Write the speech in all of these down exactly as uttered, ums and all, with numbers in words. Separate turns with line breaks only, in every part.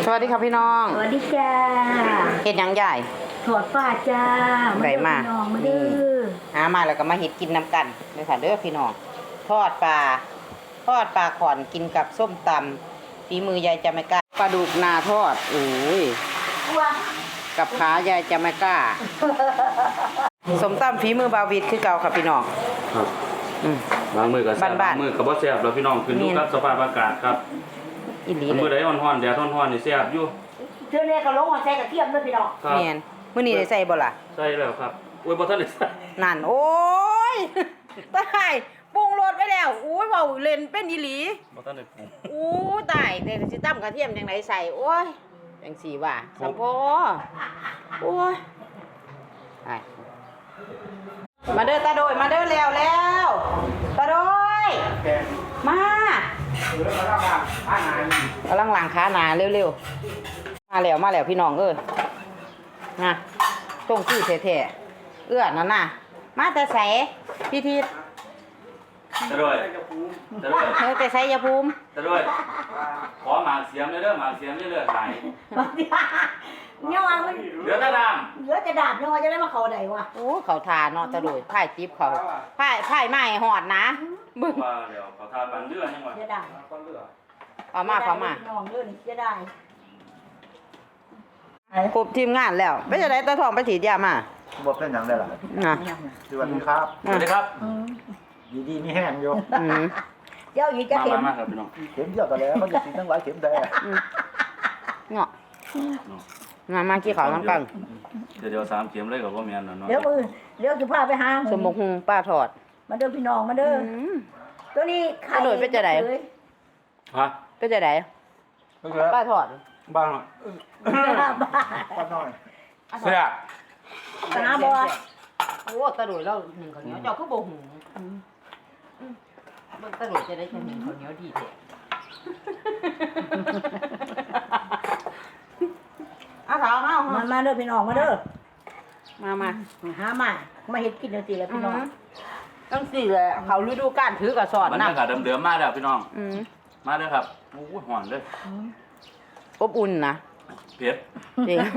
สวัสดีครับพี่น้อง
สวัสดีจ้า
เห็ดยังใหญ่
ถอดฝ้าจ้า
ไก่มา
นี่
หามาแล้วก็มาเห็ดกินน้ำกันเลยค่ะเด้อพี่น้องทอดปลาทอดปลาขอนกินกับส้มตำฝีมือยายจะไม่กล้าปลาดุกนาทอดโอ้ยกับขายายจะไม่กล้าส้มตำฝีมือบาวิดคือเก่าค่ะพี่น้อง
ครับบางมือกับบางมือกับบ่แซ่บแล้วพี่น้องขึ้นอยู่กับสภาพอากาศครับ
อีหลี
เลยมื้อใดร้อนๆแดดร้อนๆนี่แซ่บอยู่
เทื่อนี้ก็ลงมาใส่กระเทียมด้วยพี่น้อง
แม่นมื้อนี้ได้ใส่บ่ล่ะ
ใส่แล้วครับโอ้ยบ่ทันได้ใส่
นั่นโอ้ยตายปรุงรสไว้แล้วโอ้ยเว้าเล่นเป็นอีหลี
บ่ทันได้ปรุง
โอ้ตายแต่สิตำกระเทียมจังไดใส่โอ้ยจังสี่ว่าสัมพอโอ้ยไปมาเด้อตาโดยมาเด้อแล้วแล้วตาโดยมากำลังล้างขาหนาเร็วๆมาแล้วมาแล้วพี่น้องเอ้ยนะตรงคือแท้ๆเอื้อนั่นน่ะมาแต่ใสพี่ทิศ
ตะด้วยตะด้วย
เฮ้ยแต่ใสยาภูมิ
ตะด้วยขอหมากเสียมเด้อหมากเสียมเด้อไหล
เนี่ยว่ามัน
เหลือแต่ดาม
เหลือแต่ดาบเนี่ยว่าจะได้มาเข้าได้วะ
โอ้เขาทาเนาะตะโดยไผ่ติ๊บเขาไผ่ไผ่ไม้หอดนะ
บึ้งว่าเดี๋ยวเขาทาปันเรือยังว่า
จะได้
เอามาเขามา
น้องเรื่องนี้จะได้
ครบทีมงานแล้วไม่จะได้ตาทองไปถีดยามา
บอกเป็นอย่างไรล่ะ
นะ
สวัสดีครับ
สวัสดีครับ
ดีดีมีแห้งอยู่
เจ้าอยู่จะเข็ม
มาครับพี่น้อง
เข็มเยอะกันแล้วมันจะกินทั้งหลายเข็มแดง
เนาะมามากี่ขาวน้ำกัน
เดี๋ยวเดี๋ยวสามเข็มเลยกับพ่อแม่นเนาะ
เดี๋ยวมือเดี๋ยวจะพาไปหา
สมบุกฮุงป้าถอด
มาเด้อพี่น้องมาเด้อตัวนี้
ไข่โดยเป็นจะไหน
ฮะ
เป็นจะไหนป้าถอด
บ้าง
ป้าน้อย
เสีย
ตาบอด
โอ้ตาโดยเราหนึ่งข้าวเหนียวเจ้าคือโบหูตาโดยจะได้แค่หนึ่งข้าวเหนียวดีเถอะอาสาวเอา
มามาเด้อพี่น้องมาเด้อ
มามา
หามามาเฮ็ดกินจังซี่แหละพี่น้อง
ตั้งสี่เลยเขาฤดูกาลถือกระสอบ
บรรยากาศเดิมๆมาแล้วพี่น้องมาเด้อครับโอ้ยหอนเลย
อบอุ่นนะ
เผ็ด
จริง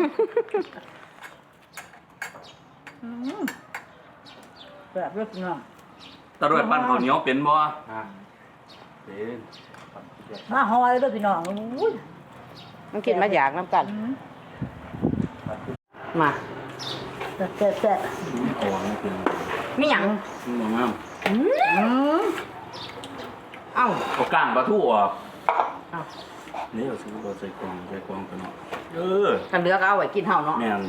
แบบเลือกน้อง
ตะรวจปั้นข้าวเหนียวเป็นบ่เป็น
มาหอยเด้อพี่น้องอุ้ย
มันกินมาอยากน้ำกันมา
แซ่บแซ่บ
มีหยัง
มองงาม
เอ้า
เอาก้างปลาทูออกนี่เอาซื้อเราใส่กล่องใส่กล่องกันเนาะเออ
กันเลือกเอาไว้กินเห่าเนาะ
แม่น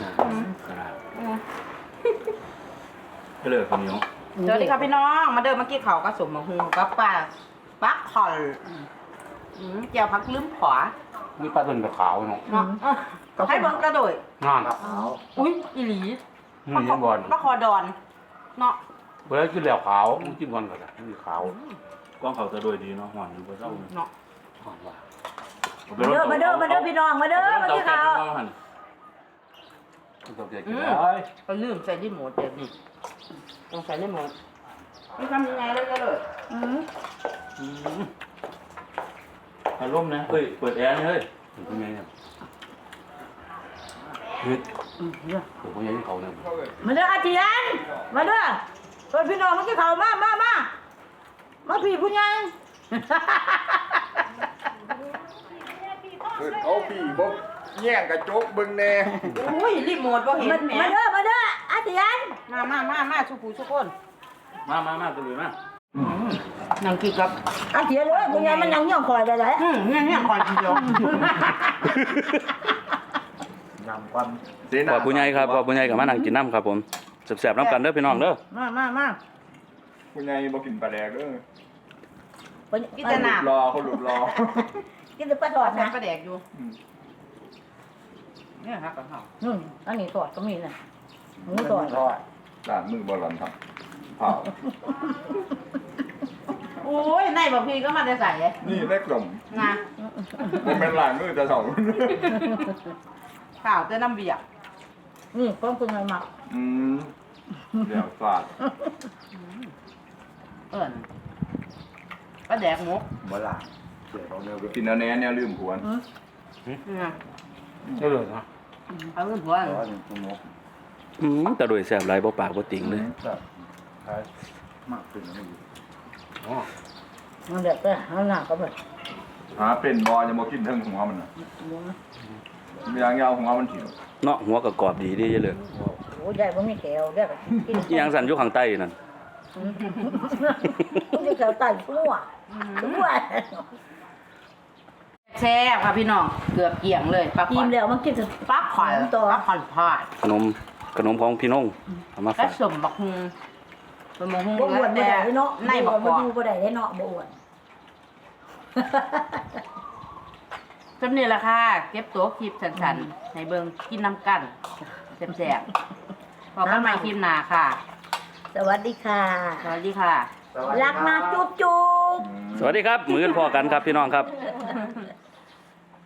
ก็เลยข้าวเหนียว
สวัสดีครับพี่น้องมาเดินมากินข้าวกับสมมะฮุงกับปลาปักคอลเจียวพักลืมขวา
มีปลาตุ่นกับขาวเนาะ
ให้เบิ้งกระโดด
งาน
อุ้ยอีหลี
ปลาคอ
ปลาคอดอนเนาะ
เวลากินแล้วขาวกินก่อนก็ได้มีขาวกล้องเขาจะโดยดีเนาะหวานอยู่บ่เศร้า
เนาะ
หวานว่า
มาเด้อมาเด้อมาเด้อพี่น้องมาเด้อมากินข้าว
ต้องเด็กกินได้
ก็ลืมใส่ที่หมูเด็ดนี่ต้องใส่ที่หมูนี่ทำยังไงเลยกระโดดอืม
อืมอารมณ์นะเฮ้ยเปิดแอร์นี่เฮ้ยเป็นไงเนี่ยเฮ้ยเปิดเป็นไงที่เขาเนี่ย
มาเด้ออาเจียนมาเด้อเปิดพี่น้องมากินข้าวมามามามาพี่ผู้ใหญ่
เอาพี่บ่แย่งกระจกบึงแน่
อุ้ยรีโมทบ่เห็นแม่
มาเด้อมาเด้ออาเจียน
มามามามาสุกูสุกคน
มามามาตัวนี้มา
นั่งกินกับ
อาเจียนเลยผู้ใหญ่มันนั่งย่องคอยได้เลย
อืมเนี่ยเนี่ยคอยทีเดีย
นำความ
ขอบผู้ใหญ่ครับขอบผู้ใหญ่กับมานั่งกินน้ำครับผมแซ่บๆน้ำกันเด้อพี่น้องเด้อ
มามามา
ผู้ใหญ่บ่กินปลาแดกเด้อ
กินแต่น้ำ
รอเขาหลุดรอ
กินแต่ปลาทอดนะ
ปลาแดกอยู่เนี่ยครับกับข้าว
อืมอันนี้ทอดก็มีนะหมูทอด
ทอดล้างมือบอลลอนครับเผา
โอ้ยในบะพีก็มาได้ใส่
นี่เล็กลม
นะ
มันเป็นล้างมือจะสอง
ข้าวจะน้ำเบียร์
นี่ก้อนคุณไงมา
อืมเดี๋ยวฟาด
เอิญปลาแดกมุก
เมื่อไหร่เดี๋ยวเราเนี่ยกินแล้วแน่เนี่ยลืมหวน
อืม
ก็เลยนะ
เอาเงินหัว
แต่ว่าเป็นตัวมก
อืมแต่โดยแซ่บหลายบ่ปากบ่ติงเลย
แบบคล้ายมากขึ้นแล้วอยู่
อ๋อ
มันเดือดเลยเอาหน้าก็แบบ
หาเป็นบอจะมากินเทิงหัวมันน่ะมียางยาวหัวมันถิ่น
เนาะหัวก็กรอบดีเด้เลย
โอ้ยได้บ่มีแถวได้ก็กิน
อีหยังสั่นอยู่ข้างใต้นั่น
มันจะแถวใต้ทั่วทั่ว
แซ่บค่ะพี่น้องเกือบเกี่ยงเลยปลาข
กิ
อน
นแล้วมันกิน
ปลาขอน
ต่อ
ปลาขอนทอด
ขนมขนมของพี่น้องเอามา
ก็
ฝาก
สมบักฮุงสมบักฮุง
บ่อ้วนบ่
แต่
ได้เนาะ
ในบักก
บ่
อก
ดูบ่ได้เนาะบ่อ้วน
จำนี่แหละค่ะเก็บตัวคลิปสันๆในเบิงกินน้ำกันแซ่บๆพอกันใหม่คลิปหน้าค่ะ
สวัสดีค่ะ
สวัสดีค่ะ
รักนะจุ๊บจุ๊บ
สวัสดีครับมื้อนี้พอกันครับพี่น้องครับ